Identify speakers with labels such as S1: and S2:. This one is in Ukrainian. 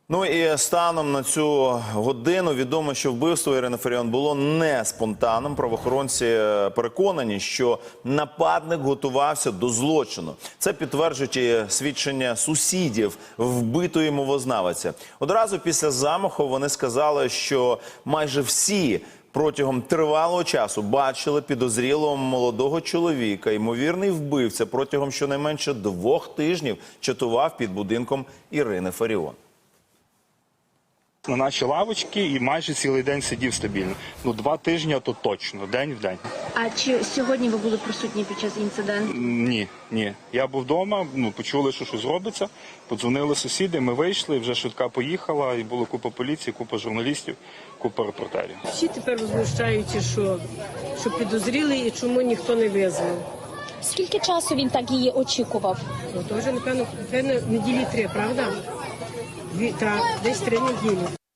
S1: Ну і станом на цю годину відомо, що вбивство Ірини Фаріон було не спонтанним. Правоохоронці переконані, що нападник готувався до злочину. Це підтверджують і свідчення сусідів вбитої мовознавиці. Одразу після замаху вони сказали, що майже всі протягом тривалого часу бачили підозрілого молодого чоловіка. Ймовірний вбивця протягом щонайменше 2 тижнів чатував під будинком Ірини Фаріон.
S2: На наші лавочки і майже цілий день сидів стабільно. 2 тижні, то точно, день в день.
S3: А чи сьогодні ви були присутні під час інциденту?
S2: Ні. Я був вдома, почули, що щось робиться, подзвонили сусіди, ми вийшли, вже швидка поїхала, і було купа поліції, купа журналістів, купа репортерів.
S4: Всі тепер возмущаються, що підозріли і чому ніхто не визвав.
S5: Скільки часу він так її очікував?
S4: То вже, напевно, неділі 3, правда? Так, десь 3 неділі.